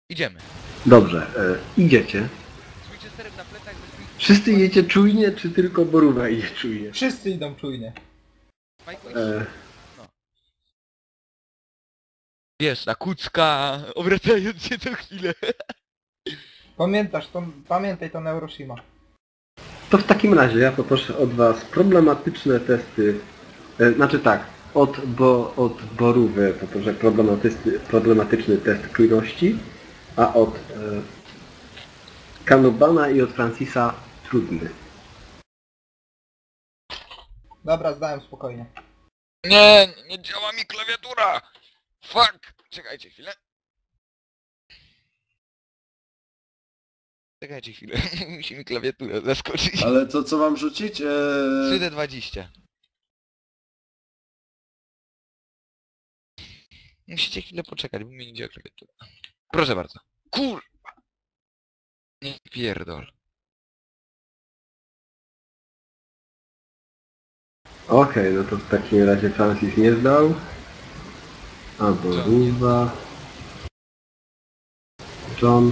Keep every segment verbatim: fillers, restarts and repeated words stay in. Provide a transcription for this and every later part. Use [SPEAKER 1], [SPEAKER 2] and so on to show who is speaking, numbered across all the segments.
[SPEAKER 1] Idziemy.
[SPEAKER 2] Dobrze, e, idziecie.
[SPEAKER 1] Z Winchesterem na plecach bez Win-
[SPEAKER 2] Wszyscy idziecie czujnie, czy tylko Borówka idzie czujnie?
[SPEAKER 3] Wszyscy idą czujnie.
[SPEAKER 1] Majku, idź.
[SPEAKER 2] E,
[SPEAKER 1] Wiesz, na kucka, obracając się co chwilę.
[SPEAKER 3] Pamiętasz, to, pamiętaj to Neuroshima.
[SPEAKER 2] to w takim razie ja poproszę od Was problematyczne testy. E, znaczy tak, od, bo, od Borówy poproszę problematyczny, problematyczny test czujności, a od e, Kanubana i od Francisa trudny.
[SPEAKER 3] Dobra, zdałem spokojnie.
[SPEAKER 1] Nie, nie działa mi klawiatura. Fuck. Czekajcie chwilę. Czekajcie chwilę. Musi mi klawiatura zaskoczyć.
[SPEAKER 4] Ale to co mam rzucić? Eee...
[SPEAKER 1] trzy D dwadzieścia. Musicie chwilę poczekać, bo mi nie działa klawiatura. Proszę bardzo. Kurwa. Nie pierdol.
[SPEAKER 2] Okej, no to w takim razie Francis nie zdał. A Borówa. John.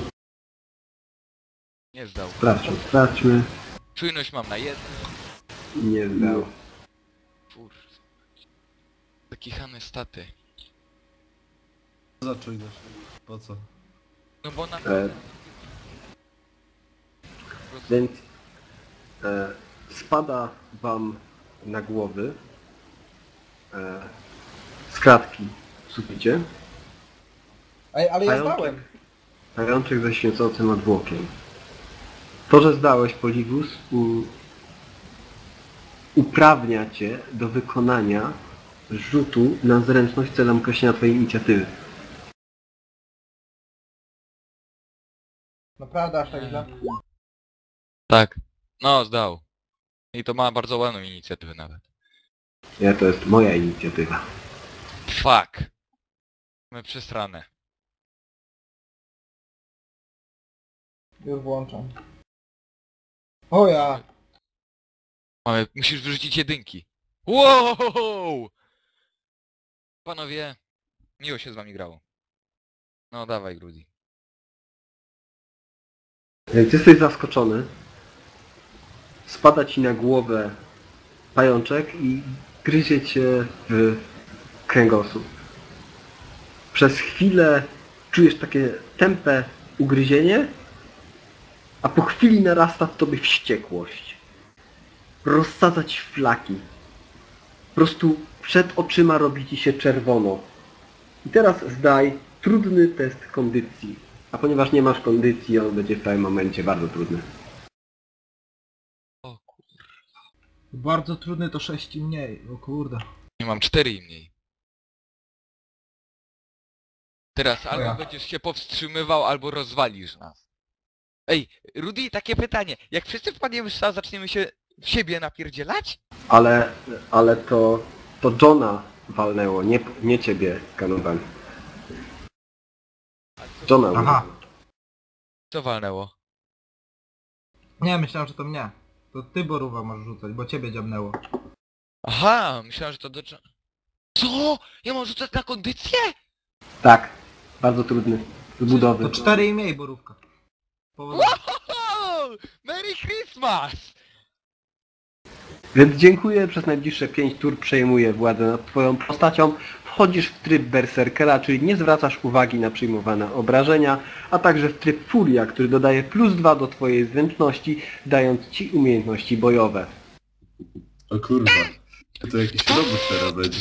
[SPEAKER 1] Nie zdał.
[SPEAKER 2] Sprawdźmy, sprawdźmy.
[SPEAKER 1] Czujność mam na jeden.
[SPEAKER 2] Nie zdał.
[SPEAKER 1] Kurwa. Zakichane staty.
[SPEAKER 4] Co za czujność? Po co?
[SPEAKER 1] No bo na...
[SPEAKER 2] E, więc e, spada Wam na głowy e, z kratki w suficie
[SPEAKER 3] Ej, ale ja
[SPEAKER 2] Pajączek.
[SPEAKER 3] zdałem.
[SPEAKER 2] pajączek ze świecącym odwłokiem. To, że zdałeś, Poliwus, u, uprawnia Cię do wykonania rzutu na zręczność celem określenia Twojej inicjatywy.
[SPEAKER 3] Naprawdę aż tak źle.
[SPEAKER 1] Tak. No, zdał. I to ma bardzo ładną inicjatywę nawet.
[SPEAKER 2] Ja, to jest moja inicjatywa.
[SPEAKER 1] Fuck. Mamy przesrane.
[SPEAKER 3] Już włączam. O ja!
[SPEAKER 1] Mamy... Musisz wyrzucić jedynki. Wow! Panowie, miło się z wami grało. No dawaj, Grudi.
[SPEAKER 2] Więc jesteś zaskoczony. Spada Ci na głowę pajączek i gryzie Cię w kręgosłup. Przez chwilę czujesz takie tępe ugryzienie, a po chwili narasta w Tobie wściekłość. Rozsadza Ci flaki. Po prostu przed oczyma robi Ci się czerwono. I teraz zdaj trudny test kondycji. A ponieważ nie masz kondycji, on będzie w tym momencie bardzo trudny.
[SPEAKER 1] O kur...
[SPEAKER 3] Bardzo trudny to sześć i mniej, o kurde.
[SPEAKER 1] Nie mam cztery i mniej. Teraz albo
[SPEAKER 3] ja.
[SPEAKER 1] będziesz się powstrzymywał, albo rozwalisz nas. Ej, Rudy, takie pytanie. Jak wszyscy wpadniemy w szał, zaczniemy się w siebie napierdzielać?
[SPEAKER 2] Ale, ale to, to Johna walnęło, nie, nie Ciebie, Kanuban. Johna
[SPEAKER 3] Aha.
[SPEAKER 2] walnęło.
[SPEAKER 1] Co walnęło?
[SPEAKER 3] Nie, myślałem, że to mnie. To ty, Borówa, możesz rzucać, bo ciebie dziabnęło.
[SPEAKER 1] Aha, myślałem, że to do... Co? Ja mam rzucać na kondycję?
[SPEAKER 2] Tak, bardzo trudny. Z budowy.
[SPEAKER 3] To cztery i mniej, Borówka. Powodzenia.
[SPEAKER 1] Wow! Merry Christmas!
[SPEAKER 2] Więc dziękuję, przez najbliższe pięć tur przejmuję władzę nad Twoją postacią. Wchodzisz w tryb berserkera, czyli nie zwracasz uwagi na przyjmowane obrażenia, a także w tryb furia, który dodaje plus dwa do Twojej zręczności, dając Ci umiejętności bojowe.
[SPEAKER 4] O kurwa. To jakiś robot teraz będzie.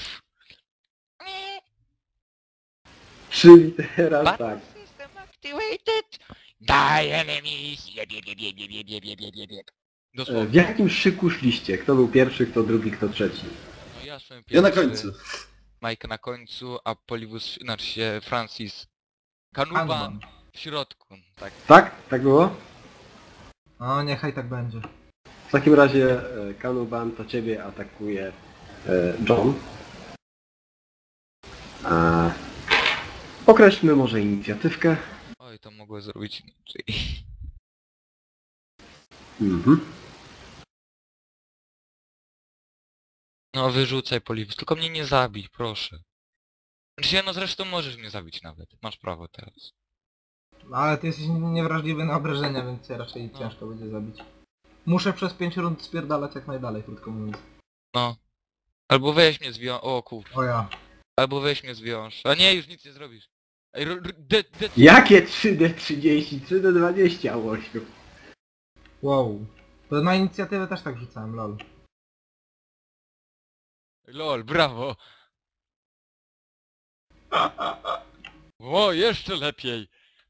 [SPEAKER 2] Czyli teraz tak.
[SPEAKER 1] Battle system activated! Die enemies! Jeb, jeb, jeb, jeb, jeb, jeb, jeb, jeb, jeb, jeb.
[SPEAKER 2] E, W
[SPEAKER 1] Dosłownie.
[SPEAKER 2] jakim szyku szliście? Kto był pierwszy, kto drugi, kto trzeci?
[SPEAKER 1] No ja szłem
[SPEAKER 4] Ja na
[SPEAKER 1] pierwszy,
[SPEAKER 4] końcu.
[SPEAKER 1] Mike na końcu, a Polibus, znaczy się Francis Kanuban
[SPEAKER 3] Kanuban.
[SPEAKER 1] w środku, tak.
[SPEAKER 2] Tak? Tak było?
[SPEAKER 3] O, niechaj tak będzie.
[SPEAKER 2] W takim razie e, Kanuban to Ciebie atakuje e, John. A, określmy może inicjatywkę.
[SPEAKER 1] Oj, to mogło zrobić inaczej.
[SPEAKER 2] Mhm.
[SPEAKER 1] No wyrzucaj Polibus, tylko mnie nie zabij, proszę. Znaczy, no zresztą możesz mnie zabić nawet, masz prawo teraz.
[SPEAKER 3] No, ale ty jesteś niewrażliwy na obrażenia, więc cię raczej
[SPEAKER 1] No.
[SPEAKER 3] ciężko będzie zabić. Muszę przez pięć rund spierdalać jak najdalej, krótko mówiąc.
[SPEAKER 1] No. Albo weź mnie zwiąż... O kur...
[SPEAKER 3] O ja.
[SPEAKER 1] Albo weź mnie zwiąż. A nie, już nic nie zrobisz. Ej, ro- ro- de, de...
[SPEAKER 2] Jakie trzy D trzydzieści? trzy D dwadzieścia, Łosiu.
[SPEAKER 3] Wow. To na inicjatywę też tak rzucałem, lol.
[SPEAKER 1] Lol, brawo. O, jeszcze lepiej.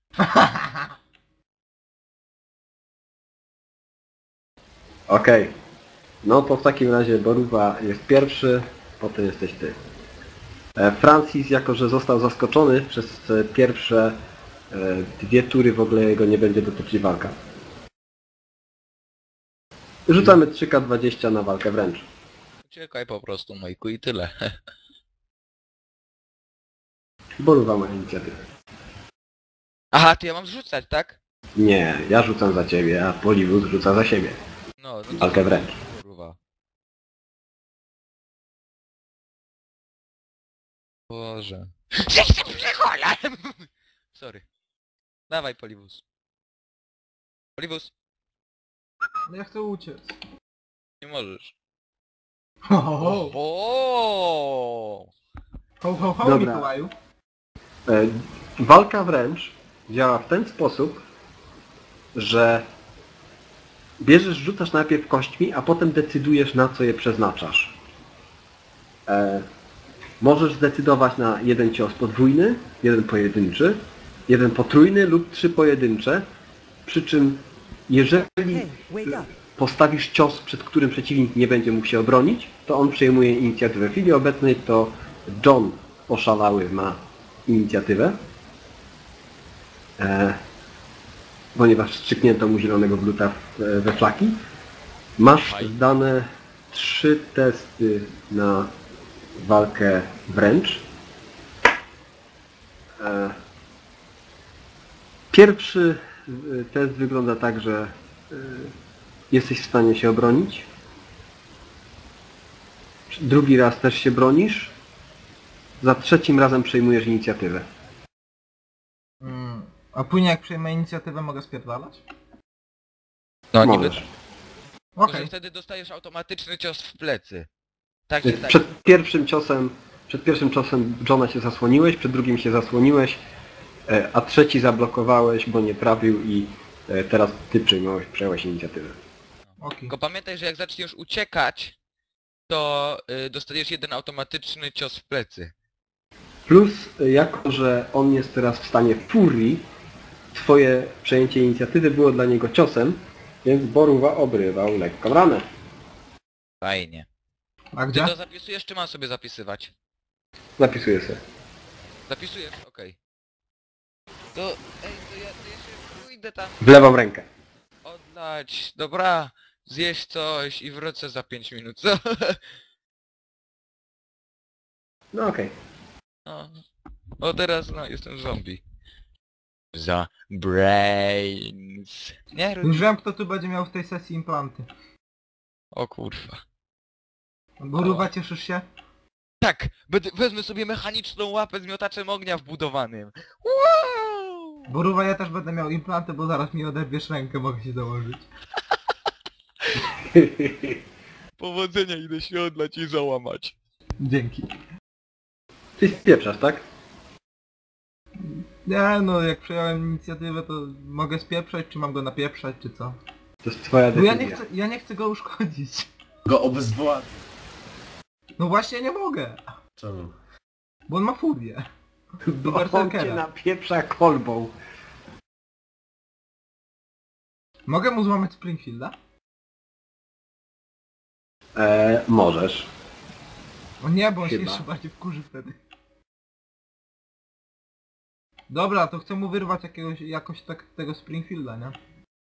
[SPEAKER 2] Okej. No to w takim razie Boruwa jest pierwszy, potem jesteś ty. E, Francis, jako że został zaskoczony przez e, pierwsze e, dwie tury, w ogóle jego nie będzie dotyczyć walka. Rzucamy trzy K dwadzieścia na walkę wręcz.
[SPEAKER 1] Uciekaj po prostu, Majku, i tyle.
[SPEAKER 2] Boruwa ma inicjatywę.
[SPEAKER 1] Aha, to ja mam zrzucać, tak?
[SPEAKER 2] Nie, ja rzucam za ciebie, a Poliwus rzuca za siebie.
[SPEAKER 1] No, no to...
[SPEAKER 2] Walkę wręcz.
[SPEAKER 1] Kurwa. Boże. Jestem psycholem! Sorry. Dawaj, Poliwus. Poliwus,
[SPEAKER 3] No ja chcę uciec.
[SPEAKER 1] nie możesz.
[SPEAKER 3] Ho, ho, ho.
[SPEAKER 1] O!
[SPEAKER 3] Ho, ho, ho,
[SPEAKER 2] Dobra.
[SPEAKER 3] Mikołaju.
[SPEAKER 2] E, walka wręcz działa w ten sposób, że bierzesz, rzucasz najpierw kośćmi, a potem decydujesz, na co je przeznaczasz. E, możesz zdecydować na jeden cios podwójny, jeden pojedynczy, jeden potrójny lub trzy pojedyncze, przy czym jeżeli
[SPEAKER 5] Hey, wake up.
[SPEAKER 2] postawisz cios, przed którym przeciwnik nie będzie mógł się obronić, to on przejmuje inicjatywę. W chwili obecnej to John oszalały ma inicjatywę, e, ponieważ strzyknięto mu zielonego bluta w, we flaki. Masz
[SPEAKER 1] Faj.
[SPEAKER 2] zdane trzy testy na walkę wręcz. E, pierwszy e, test wygląda tak, że e, jesteś w stanie się obronić. Drugi raz też się bronisz. Za trzecim razem przejmujesz inicjatywę.
[SPEAKER 3] Mm. A później jak przejmę inicjatywę mogę spierdalać?
[SPEAKER 1] No niby
[SPEAKER 2] Możesz.
[SPEAKER 1] tak.
[SPEAKER 3] Okej.
[SPEAKER 1] Tylko, że wtedy dostajesz automatyczny cios w plecy. Tak, tak.
[SPEAKER 2] Przed pierwszym ciosem, przed pierwszym ciosem Johna się zasłoniłeś, przed drugim się zasłoniłeś, e, a trzeci zablokowałeś, bo nie trafił i e, teraz ty przejmowałeś, przejąłeś inicjatywę.
[SPEAKER 3] Okej.
[SPEAKER 1] Tylko pamiętaj, że jak zaczniesz uciekać, to y, dostajesz jeden automatyczny cios w plecy.
[SPEAKER 2] Plus, e, jako że on jest teraz w stanie furii, twoje przejęcie inicjatywy było dla niego ciosem, więc Boruwa obrywał lekką ranę.
[SPEAKER 1] Fajnie.
[SPEAKER 3] A
[SPEAKER 1] Ty
[SPEAKER 3] gdzie?
[SPEAKER 1] to zapisujesz, czy mam sobie zapisywać?
[SPEAKER 2] Zapisuję sobie.
[SPEAKER 1] Zapisujesz? Okej. To, ej, to ja, to ja się pójdę tam
[SPEAKER 2] W lewą rękę.
[SPEAKER 1] oddać, dobra, zjeść coś i wrócę za pięć minut, co?
[SPEAKER 2] No okej.
[SPEAKER 1] No, o teraz, no, jestem zombie. Za brains. Nie, Rudy.
[SPEAKER 3] Już wiem kto tu będzie miał w tej sesji implanty.
[SPEAKER 1] O kurwa.
[SPEAKER 3] Boruwa, cieszysz się?
[SPEAKER 1] Tak, będę, wezmę sobie mechaniczną łapę z miotaczem ognia wbudowanym. Wow!
[SPEAKER 3] Boruwa, ja też będę miał implanty, bo zaraz mi oderwiesz rękę, mogę się założyć.
[SPEAKER 1] Powodzenia, idę się odlać i załamać.
[SPEAKER 3] Dzięki.
[SPEAKER 2] Ty spieprzasz, tak?
[SPEAKER 3] Nie no, jak przejąłem inicjatywę to mogę spieprzać, czy mam go napieprzać, czy co?
[SPEAKER 2] To jest twoja
[SPEAKER 3] Bo ja
[SPEAKER 2] decyzja.
[SPEAKER 3] nie chcę, ja nie chcę go uszkodzić.
[SPEAKER 4] Go obezwładnić.
[SPEAKER 3] No właśnie nie mogę,
[SPEAKER 4] Czemu?
[SPEAKER 3] bo on ma furię. Do
[SPEAKER 2] Bo on cię
[SPEAKER 3] berserkera.
[SPEAKER 2] napieprza kolbą.
[SPEAKER 3] Mogę mu złamać Springfielda?
[SPEAKER 2] E, możesz.
[SPEAKER 3] O nie, bo on się
[SPEAKER 2] Chyba.
[SPEAKER 3] jeszcze bardziej wkurzy wtedy. Dobra, to chcę mu wyrwać jakiegoś, jakoś tak tego Springfielda, nie?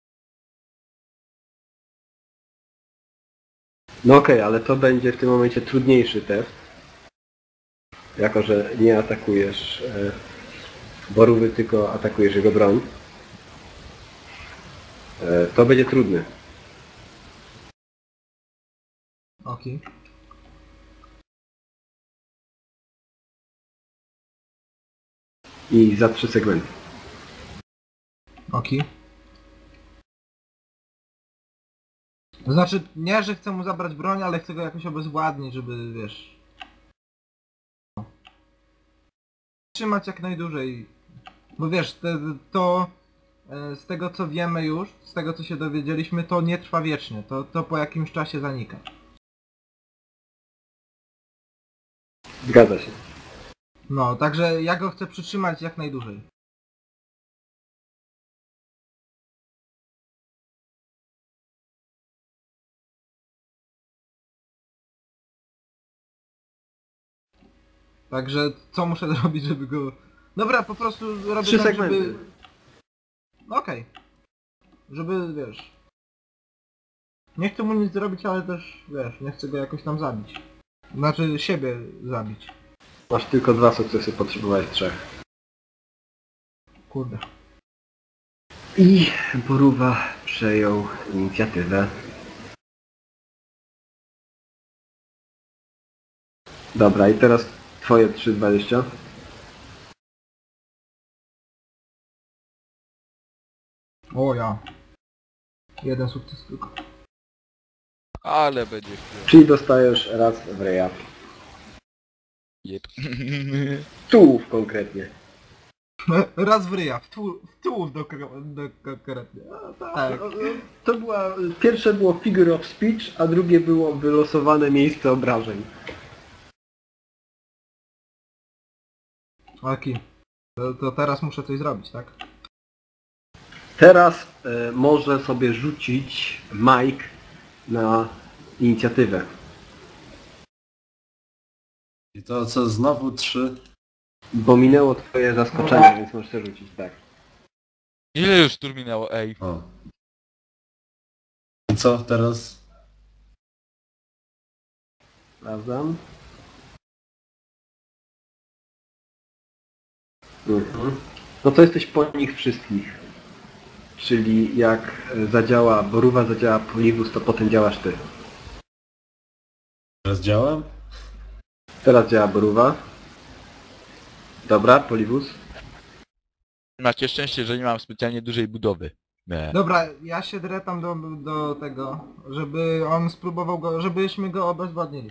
[SPEAKER 2] No okej, ale to będzie w tym momencie trudniejszy test. Jako, że nie atakujesz e, Borówy, tylko atakujesz jego broń. E, to będzie trudny.
[SPEAKER 3] Okej.
[SPEAKER 2] I za trzy segmenty.
[SPEAKER 3] Oki. To znaczy, nie, że chcę mu zabrać broń, ale chcę go jakoś obezwładnić, żeby, wiesz... Trzymać jak najdłużej. Bo wiesz, te, to... e, Z tego co wiemy już, z tego co się dowiedzieliśmy, to nie trwa wiecznie. To, to po jakimś czasie zanika.
[SPEAKER 2] Zgadza się.
[SPEAKER 3] No, także ja go chcę przytrzymać jak najdłużej. Także co muszę zrobić, żeby go... Dobra, po prostu robię
[SPEAKER 2] Trzy
[SPEAKER 3] tak,
[SPEAKER 2] segmenty.
[SPEAKER 3] żeby... Okej. Żeby, wiesz... Nie chcę mu nic zrobić, ale też, wiesz, nie chcę go jakoś tam zabić. Znaczy, siebie zabić.
[SPEAKER 2] Masz tylko dwa sukcesy, potrzebowałeś trzech.
[SPEAKER 3] Kurde.
[SPEAKER 2] I Boruwa przejął inicjatywę. Dobra, i teraz twoje trzy dwadzieścia.
[SPEAKER 3] O ja. Jeden sukces tylko.
[SPEAKER 1] Ale będzie chwilę.
[SPEAKER 2] Czyli dostajesz raz w reja.
[SPEAKER 1] Jep.
[SPEAKER 2] Tułów konkretnie.
[SPEAKER 3] Raz w ryja, w tułów tu do, do konkretnie. Tak.
[SPEAKER 2] To była... Pierwsze było figure of speech, a drugie było wylosowane miejsce obrażeń.
[SPEAKER 3] Aki. To, to teraz muszę coś zrobić, tak?
[SPEAKER 2] Teraz e, może sobie rzucić Mike na inicjatywę.
[SPEAKER 4] I to co, znowu trzy?
[SPEAKER 2] Bo minęło twoje zaskoczenie, więc możesz sobie rzucić, tak.
[SPEAKER 1] Ile już tur minęło, ej?
[SPEAKER 4] O. I co teraz?
[SPEAKER 2] Sprawdzam. Mhm. No to jesteś po nich wszystkich. Czyli jak zadziała Boruwa, zadziała Polibus, to potem działasz ty.
[SPEAKER 4] Teraz działam?
[SPEAKER 2] Teraz działa Boruwa. Dobra, Polibus.
[SPEAKER 1] Macie szczęście, że nie mam specjalnie dużej budowy. Nie.
[SPEAKER 3] Dobra, ja się drę tam do, do tego, żeby on spróbował go, żebyśmy go obezwładnili.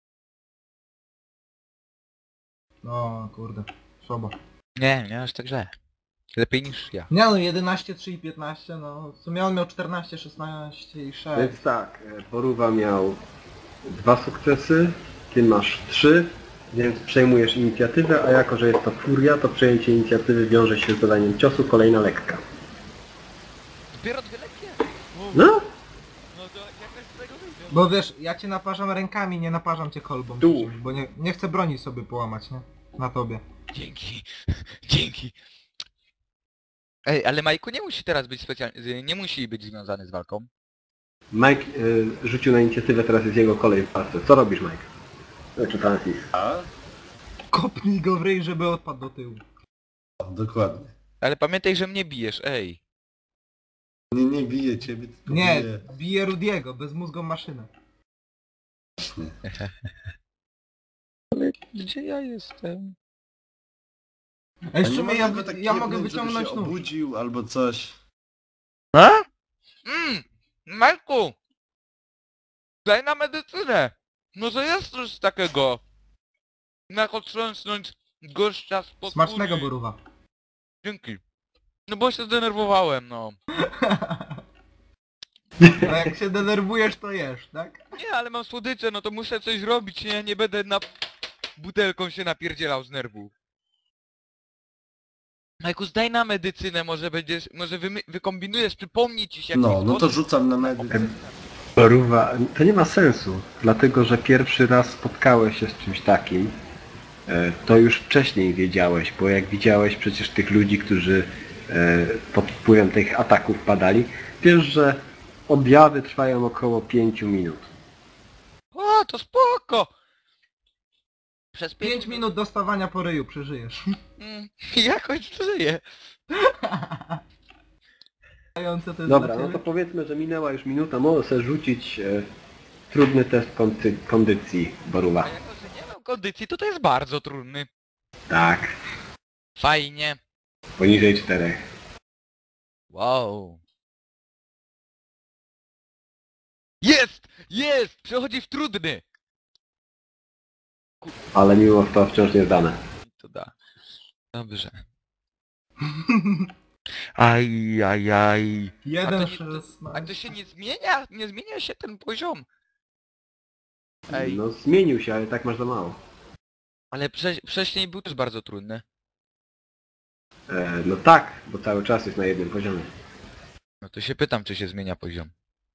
[SPEAKER 3] No kurde, słabo.
[SPEAKER 1] Nie, nie aż tak źle. Lepiej niż ja.
[SPEAKER 3] Nie no, jedenaście, trzy i piętnaście, no w sumie on miał czternaście, szesnaście i sześć.
[SPEAKER 2] Więc tak, Boruwa miał dwa sukcesy, ty masz trzy, więc przejmujesz inicjatywę, a jako, że jest to furia, to przejęcie inicjatywy wiąże się z dodaniem ciosu, kolejna lekka.
[SPEAKER 1] Dopiero dwie lekkie?
[SPEAKER 2] No,
[SPEAKER 1] No to jakoś z tego wyjdzie.
[SPEAKER 3] Bo wiesz, ja cię naparzam rękami, nie naparzam cię kolbą.
[SPEAKER 2] Tu.
[SPEAKER 3] przecież, Bo nie, nie chcę broni sobie połamać, nie? Na tobie.
[SPEAKER 1] Dzięki. Dzięki. Ej, ale Majku nie musi teraz być specjalnie... Nie musi być związany z walką.
[SPEAKER 2] Mike y, rzucił na inicjatywę, teraz jest jego kolej w walce. Co robisz, Mike? Znaczy Francis.
[SPEAKER 4] A?
[SPEAKER 3] Kopnij go w ryj, żeby odpadł do tyłu.
[SPEAKER 4] O, dokładnie.
[SPEAKER 1] Ale pamiętaj, że mnie bijesz, ej.
[SPEAKER 4] Nie, nie bije ciebie, tylko
[SPEAKER 3] Nie,
[SPEAKER 4] bije...
[SPEAKER 3] bije Rudiego, bezmózgą maszynę.
[SPEAKER 4] Właśnie.
[SPEAKER 1] Ale gdzie ja jestem?
[SPEAKER 3] Ej,
[SPEAKER 4] A
[SPEAKER 3] w
[SPEAKER 4] nie
[SPEAKER 3] sumie ja,
[SPEAKER 4] można go tak
[SPEAKER 3] ja mogę
[SPEAKER 4] jebnąć, żeby
[SPEAKER 3] wyciągnąć
[SPEAKER 4] się
[SPEAKER 3] nóż.
[SPEAKER 4] obudził albo coś.
[SPEAKER 1] A? Mmm, Majku! Daj na medycynę! Może jest coś takiego. Jak otrząsnąć gościa z pod
[SPEAKER 3] Smacznego
[SPEAKER 1] kuli.
[SPEAKER 3] Boruwa.
[SPEAKER 1] Dzięki. No bo się zdenerwowałem, no.
[SPEAKER 3] No jak się denerwujesz, to jesz, tak?
[SPEAKER 1] Nie, ale mam słodycze, no to muszę coś robić, nie? Nie będę na... butelką się napierdzielał z nerwów. Majku, zdaj na medycynę, może będziesz... może wy, wykombinujesz, przypomni ci się jakiś
[SPEAKER 4] No, no to
[SPEAKER 1] sposób.
[SPEAKER 4] rzucam na medycynę.
[SPEAKER 2] Boruwa, to nie ma sensu, dlatego że pierwszy raz spotkałeś się z czymś takim. E, To już wcześniej wiedziałeś, bo jak widziałeś przecież tych ludzi, którzy e, pod wpływem tych ataków padali, wiesz, że objawy trwają około pięciu minut.
[SPEAKER 1] O, to spoko! Przez pięć,
[SPEAKER 3] pięć minut dostawania po ryju, przeżyjesz.
[SPEAKER 1] Mm, jakoś żyję.
[SPEAKER 3] Dające to jest
[SPEAKER 2] Dobra,
[SPEAKER 3] dla
[SPEAKER 2] no
[SPEAKER 3] ciebie.
[SPEAKER 2] to powiedzmy, że minęła już minuta, może sobie rzucić e, trudny test kondy kondycji Boruwa.
[SPEAKER 1] A jako, że nie mam kondycji, to to jest bardzo trudny.
[SPEAKER 2] Tak,
[SPEAKER 1] Fajnie.
[SPEAKER 2] poniżej czterech.
[SPEAKER 1] Wow. Jest! Jest! Przechodzi w trudny!
[SPEAKER 2] Ale mimo to wciąż nie zdane.
[SPEAKER 1] To da. Dobrze. Aj, aj, aj. A
[SPEAKER 3] Jeden
[SPEAKER 1] to, nie, to, a to
[SPEAKER 3] szesnaście.
[SPEAKER 1] się nie zmienia? Nie zmienia się ten poziom? Ej,
[SPEAKER 2] No zmienił się, ale tak masz za mało.
[SPEAKER 1] ale wcze, wcześniej był też bardzo trudny.
[SPEAKER 2] E, no tak, bo cały czas jest na jednym poziomie.
[SPEAKER 1] No to się pytam, czy się zmienia poziom.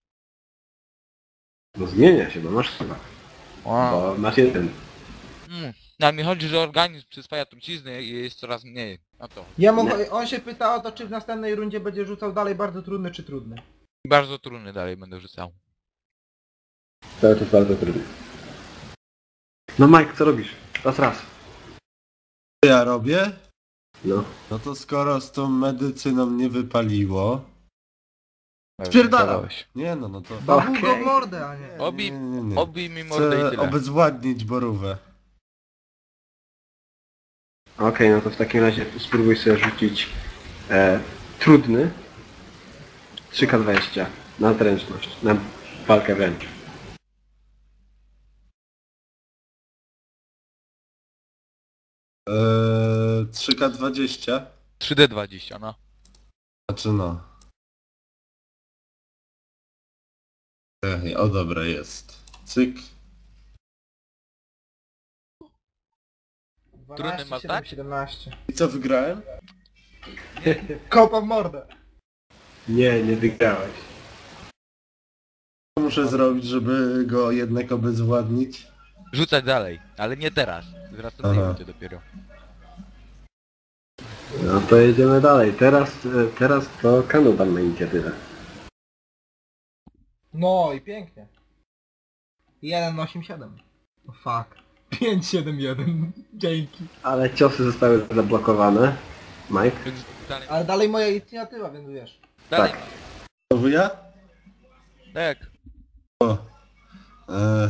[SPEAKER 2] No zmienia się, bo masz chyba.
[SPEAKER 1] Wow.
[SPEAKER 2] Bo masz jeden.
[SPEAKER 1] Mm. No, ale mi chodzi, że organizm przyswaja trucizny i jest coraz mniej. No to.
[SPEAKER 3] Ja mu,
[SPEAKER 2] Nie.
[SPEAKER 3] on się pyta o to, czy w następnej rundzie będzie rzucał dalej bardzo trudny, czy trudny.
[SPEAKER 1] Bardzo trudny dalej będę rzucał.
[SPEAKER 2] Cały czas bardzo trudny. No Mike, co robisz? Raz, raz.
[SPEAKER 4] Co ja robię?
[SPEAKER 2] No.
[SPEAKER 4] No to skoro z tą medycyną nie wypaliło...
[SPEAKER 1] Nawet
[SPEAKER 4] Spierdalam!
[SPEAKER 1] nie gadałeś.
[SPEAKER 4] Nie no, no to...
[SPEAKER 3] Babu
[SPEAKER 2] Okej.
[SPEAKER 3] go w mordę, a nie.
[SPEAKER 1] Obi-
[SPEAKER 4] Nie, nie, nie.
[SPEAKER 1] Obij mi mordę i
[SPEAKER 4] Chcę
[SPEAKER 1] tyle.
[SPEAKER 4] obezwładnić borówę.
[SPEAKER 2] Okej, no to w takim razie spróbuj sobie rzucić e, trudny trzy K dwadzieścia na zręczność, na walkę wręcz.
[SPEAKER 4] Eee, trzy K dwadzieścia?
[SPEAKER 1] trzy D dwadzieścia, no.
[SPEAKER 4] Znaczy no. Ej, o dobra, jest. Cyk.
[SPEAKER 1] Trudny masz, tak?
[SPEAKER 3] siedemnaście.
[SPEAKER 4] I co, wygrałem?
[SPEAKER 3] Kopa w mordę.
[SPEAKER 2] Nie, nie wygrałeś.
[SPEAKER 4] Co muszę zrobić, żeby go jednak obezwładnić?
[SPEAKER 1] Rzucać dalej, ale nie teraz. W następnej
[SPEAKER 4] Aha.
[SPEAKER 1] rundzie dopiero.
[SPEAKER 2] No to jedziemy dalej. Teraz, e, teraz to Kanuban ma inicjatywę.
[SPEAKER 3] No i pięknie. jeden osiem siedem. O fuck. pięć siedem jeden. Dzięki.
[SPEAKER 2] Ale ciosy zostały zablokowane. Mike?
[SPEAKER 1] Więc dalej.
[SPEAKER 3] Ale dalej moja inicjatywa, więc wiesz.
[SPEAKER 1] Dalej.
[SPEAKER 2] Tak.
[SPEAKER 4] Znowu ja?
[SPEAKER 1] Tak.
[SPEAKER 4] O. Eee.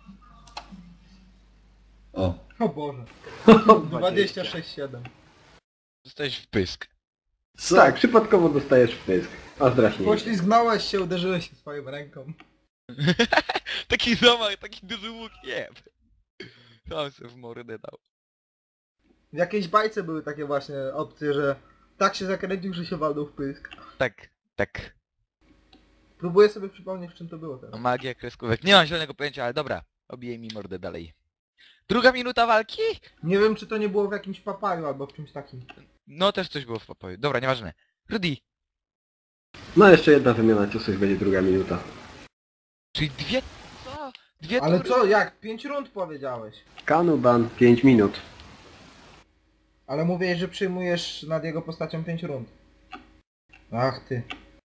[SPEAKER 4] O.
[SPEAKER 3] O Boże. dwadzieścia sześć siedem.
[SPEAKER 1] Zostałeś w pysk.
[SPEAKER 4] Co?
[SPEAKER 2] Tak, przypadkowo dostajesz w pysk. A zdraśnie.
[SPEAKER 3] Poślizgnąłeś się, uderzyłeś się swoją ręką.
[SPEAKER 1] Taki zamach, taki duży łuk, nie. Tam się w mordę dał.
[SPEAKER 3] W jakiejś bajce były takie właśnie opcje, że tak się zakręcił, że się walnął w pysk.
[SPEAKER 1] Tak, tak.
[SPEAKER 3] Próbuję sobie przypomnieć, w czym to było
[SPEAKER 1] No,
[SPEAKER 3] teraz.
[SPEAKER 1] magia kreskówek. Nie mam zielonego pojęcia, ale dobra. Obijaj mi mordę dalej. Druga minuta walki?
[SPEAKER 3] Nie wiem, czy to nie było w jakimś papaju albo w czymś takim.
[SPEAKER 1] No też coś było w pokoju. Dobra, nieważne. Rudy.
[SPEAKER 2] No jeszcze jedna wymiana ciosów, będzie druga minuta.
[SPEAKER 1] Czyli dwie... Co? Dwie
[SPEAKER 3] Ale
[SPEAKER 1] tury?
[SPEAKER 3] co, jak? Pięć rund powiedziałeś.
[SPEAKER 2] Kanuban pięć minut.
[SPEAKER 3] Ale mówiłeś, że przyjmujesz nad jego postacią pięć rund. Ach ty.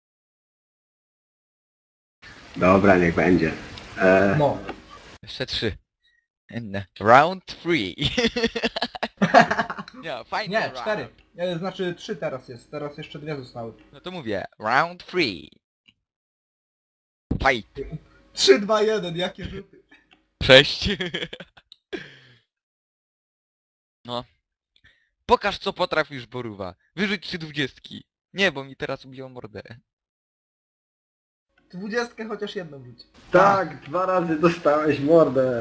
[SPEAKER 2] Dobra, niech będzie. E,
[SPEAKER 3] No.
[SPEAKER 1] Jeszcze trzy. And round three. Nie, fajnie.
[SPEAKER 3] Nie,
[SPEAKER 1] round.
[SPEAKER 3] cztery. E, Znaczy trzy teraz jest. Teraz jeszcze dwie zostały.
[SPEAKER 1] No to mówię. Round three. Fight.
[SPEAKER 3] trzy, dwa, jeden. Jakie rzuty.
[SPEAKER 1] Sześć. No. Pokaż co potrafisz, Boruwa. Wyrzuć trzy dwudziestki. Nie, bo mi teraz ubiło mordę.
[SPEAKER 3] Dwudziestkę chociaż jedną rzuć.
[SPEAKER 2] tak, dwa razy dostałeś mordę.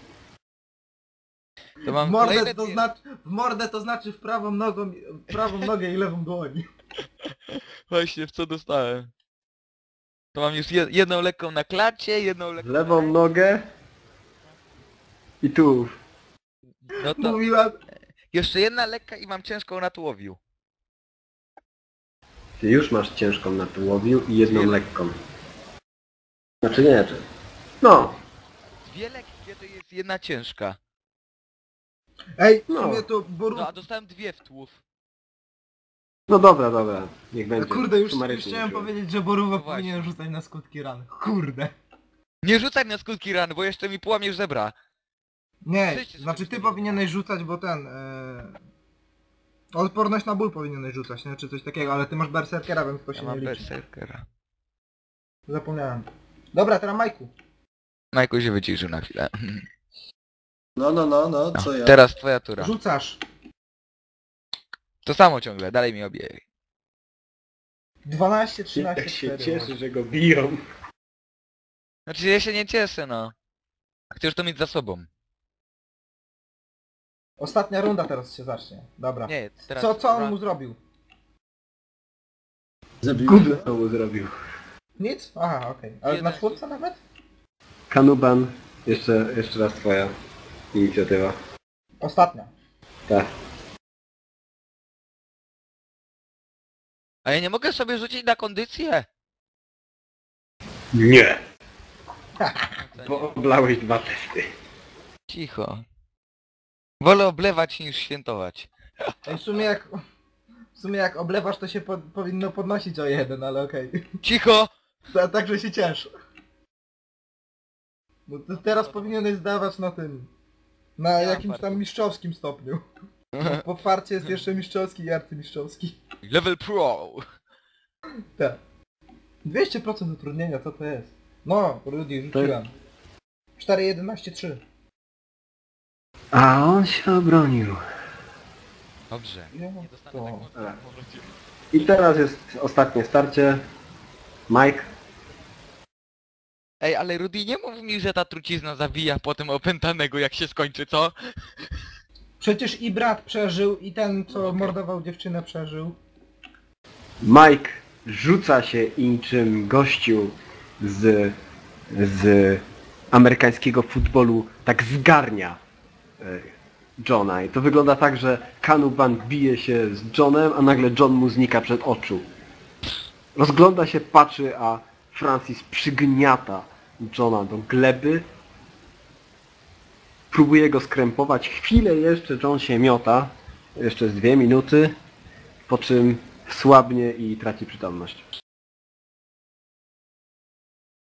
[SPEAKER 1] To
[SPEAKER 3] W
[SPEAKER 1] mam
[SPEAKER 3] mordę
[SPEAKER 1] kolejne
[SPEAKER 3] to
[SPEAKER 1] dwie-
[SPEAKER 3] znaczy, w mordę to znaczy w prawą nogą, w prawą nogę i lewą dłoń.
[SPEAKER 1] Właśnie, w co dostałem? To mam już je jedną lekką na klacie, jedną
[SPEAKER 2] W
[SPEAKER 1] lekką
[SPEAKER 2] lewą
[SPEAKER 1] na...
[SPEAKER 2] nogę. I tu.
[SPEAKER 1] No to
[SPEAKER 3] Mówiła,
[SPEAKER 1] jeszcze jedna lekka i mam ciężką na tułowiu.
[SPEAKER 2] Ty już masz ciężką na tułowiu i jedną
[SPEAKER 1] Dwie-
[SPEAKER 2] lekką. Znaczy nie, czy... No.
[SPEAKER 1] Dwie lekkie to jest jedna ciężka.
[SPEAKER 3] ej, w
[SPEAKER 2] No.
[SPEAKER 3] sumie to boru...
[SPEAKER 1] No a dostałem dwie w tłów.
[SPEAKER 2] No dobra, dobra. Niech będzie.
[SPEAKER 3] Kurde, już, już
[SPEAKER 2] Sumarycznie
[SPEAKER 3] chciałem
[SPEAKER 2] wziąłem.
[SPEAKER 3] powiedzieć, że Boruwa
[SPEAKER 1] No właśnie.
[SPEAKER 3] powinien rzucać na skutki ran. Kurde.
[SPEAKER 1] Nie rzucaj na skutki ran, bo jeszcze mi połamiesz żebra.
[SPEAKER 3] Nie,
[SPEAKER 1] Wszyscy sobie
[SPEAKER 3] znaczy ty
[SPEAKER 1] rzucili.
[SPEAKER 3] powinieneś rzucać, bo ten... E... Odporność na ból powinieneś rzucać, nie? Czy coś takiego, ale ty masz berserkera, więc to
[SPEAKER 1] Ja
[SPEAKER 3] się
[SPEAKER 1] mam
[SPEAKER 3] nie liczy.
[SPEAKER 1] berserkera.
[SPEAKER 3] Zapomniałem. Dobra, teraz Majku.
[SPEAKER 1] Majku się wyciszył na chwilę.
[SPEAKER 4] No, no, no, no,
[SPEAKER 1] No,
[SPEAKER 4] co ja?
[SPEAKER 1] teraz twoja tura.
[SPEAKER 3] Rzucasz.
[SPEAKER 1] To samo ciągle, dalej mi obie.
[SPEAKER 3] dwanaście trzynaście
[SPEAKER 2] Jak się
[SPEAKER 3] cztery.
[SPEAKER 2] cieszy, że go biją.
[SPEAKER 1] Znaczy ja się nie cieszę, no. Chcesz to mieć za sobą.
[SPEAKER 3] Ostatnia runda teraz się zacznie. Dobra.
[SPEAKER 1] Nie, teraz...
[SPEAKER 3] Co, co on mu zrobił?
[SPEAKER 4] Zabił
[SPEAKER 2] Gówno to mu zrobił.
[SPEAKER 3] Nic? Aha, okej. Ale na
[SPEAKER 1] Jeden.
[SPEAKER 3] czwórce nawet?
[SPEAKER 2] Kanuban, jeszcze, jeszcze raz twoja inicjatywa.
[SPEAKER 3] Ostatnia.
[SPEAKER 2] Tak.
[SPEAKER 1] A ja nie mogę sobie rzucić na kondycję?
[SPEAKER 2] Nie!
[SPEAKER 1] No to
[SPEAKER 2] Bo
[SPEAKER 1] nie.
[SPEAKER 2] oblałeś dwa testy.
[SPEAKER 1] Cicho. Wolę oblewać niż świętować.
[SPEAKER 3] Ej, w sumie jak... W sumie jak oblewasz to się po, powinno podnosić o jeden, ale okej.
[SPEAKER 1] Cicho!
[SPEAKER 3] Ta- Także się ciesz. No to teraz powinieneś zdawać na tym. Na
[SPEAKER 1] mam
[SPEAKER 3] jakimś
[SPEAKER 1] fartu.
[SPEAKER 3] tam mistrzowskim stopniu. Po farcie jest jeszcze mistrzowski i arcymistrzowski.
[SPEAKER 1] Level pro!
[SPEAKER 3] Tak. dwieście procent utrudnienia, co to jest? No, Rudy, rzuciłem. cztery jedenaście trzy.
[SPEAKER 2] A on się obronił.
[SPEAKER 1] Dobrze.
[SPEAKER 3] Ja,
[SPEAKER 1] Nie dostanę
[SPEAKER 3] to-
[SPEAKER 1] tak mocno
[SPEAKER 2] Dobra.
[SPEAKER 1] w powrocie.
[SPEAKER 2] I teraz jest ostatnie starcie. Mike.
[SPEAKER 1] Ej, ale Rudy, nie mów mi, że ta trucizna zabija potem opętanego jak się skończy, co?
[SPEAKER 3] Przecież i brat przeżył, i ten, co
[SPEAKER 1] Okej.
[SPEAKER 3] mordował dziewczynę, przeżył.
[SPEAKER 2] Mike rzuca się i niczym gościu z, z amerykańskiego futbolu tak zgarnia e, Johna. I to wygląda tak, że Kanuban bije się z Johnem, a nagle John mu znika przed oczu. Rozgląda się, patrzy, a Francis przygniata Johna do gleby. Próbuje go skrępować. Chwilę jeszcze John się miota. Jeszcze z dwie minuty. Po czym słabnie i traci przytomność.